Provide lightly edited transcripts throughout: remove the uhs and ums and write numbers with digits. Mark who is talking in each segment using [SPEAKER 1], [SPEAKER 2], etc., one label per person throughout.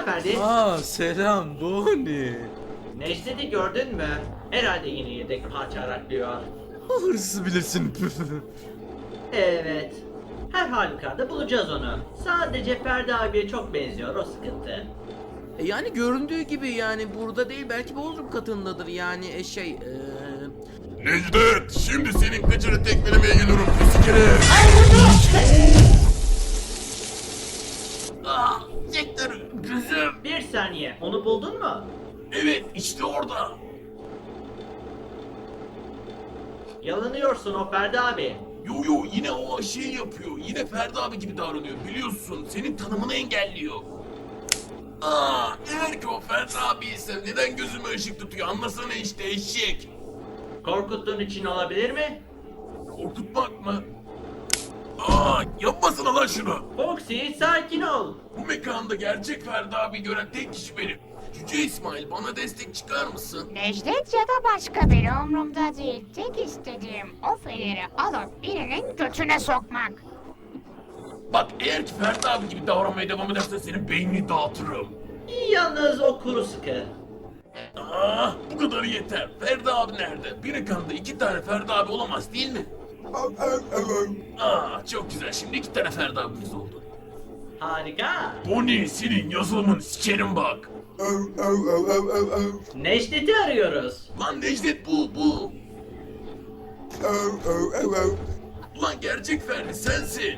[SPEAKER 1] Selam Ferdi.
[SPEAKER 2] Selam Bonnie.
[SPEAKER 1] Necdet'i gördün mü? Herhalde yine yedek parça araklıyor.
[SPEAKER 2] Hırsız bilirsin.
[SPEAKER 1] Evet. Her halükarda bulacağız onu. Sadece Ferdi abiye çok benziyor, o sıkıntı.
[SPEAKER 2] Yani göründüğü gibi yani burada değil, belki Bodrum katındadır yani
[SPEAKER 3] Necdet, şimdi senin kıçını tekmelemeye geliyorum pis kere. Sektör, gözüm.
[SPEAKER 1] Bir saniye, onu buldun mu?
[SPEAKER 3] Evet, işte orada.
[SPEAKER 1] Yalanıyorsun o Ferdi abi.
[SPEAKER 3] Yo yine o şey yapıyor. Yine Ferdi abi gibi davranıyor biliyorsun. Senin tanımını engelliyor. Eğer ki o Ferdi abi ise neden gözüme ışık tutuyor anlasana işte eşek.
[SPEAKER 1] Korkuttuğun için olabilir mi?
[SPEAKER 3] Korkutmak mı? Yapmasana lan şunu.
[SPEAKER 1] Foxy, sakin ol.
[SPEAKER 3] Bu mekanda gerçek Ferdi abi gören tek kişi benim. Cüce İsmail bana destek çıkar mısın?
[SPEAKER 4] Necdet ya da başka biri umurumda değil. Tek istediğim o feneri alıp birinin götüne sokmak.
[SPEAKER 3] Bak eğer ki Ferdi abi gibi davranmaya devam edersen senin beynini dağıtırım.
[SPEAKER 1] Yalnız o kuru sıkı.
[SPEAKER 3] Bu kadar yeter. Ferdi abi nerede? Bir mekanda 2 tane Ferdi abi olamaz değil mi? Çok güzel. Şimdi 2 tane Ferdi abimiz oldu.
[SPEAKER 1] Harika.
[SPEAKER 3] Bonnie senin yazılımını sikerim bak.
[SPEAKER 1] Necdet'i arıyoruz.
[SPEAKER 3] Lan Necdet bu. Ulan gerçek Ferdi sensin.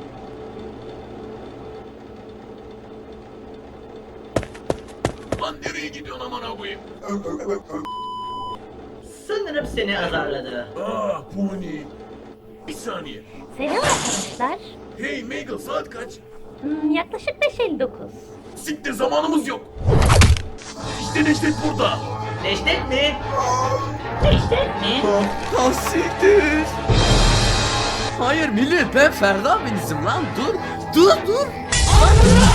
[SPEAKER 3] Lan nereye gidiyorsun aman koyayım?
[SPEAKER 1] Sanırım seni azarladı.
[SPEAKER 3] Bonnie. Bir saniye.
[SPEAKER 5] Selam arkadaşlar.
[SPEAKER 3] Hey Megal saat kaç?
[SPEAKER 5] Yaklaşık 5:59.
[SPEAKER 3] Siktir zamanımız yok. İşte Necdet burada.
[SPEAKER 1] Necdet mi? Necdet mi?
[SPEAKER 2] Siktir. Hayır millet, ben Ferdi abinizim lan, dur.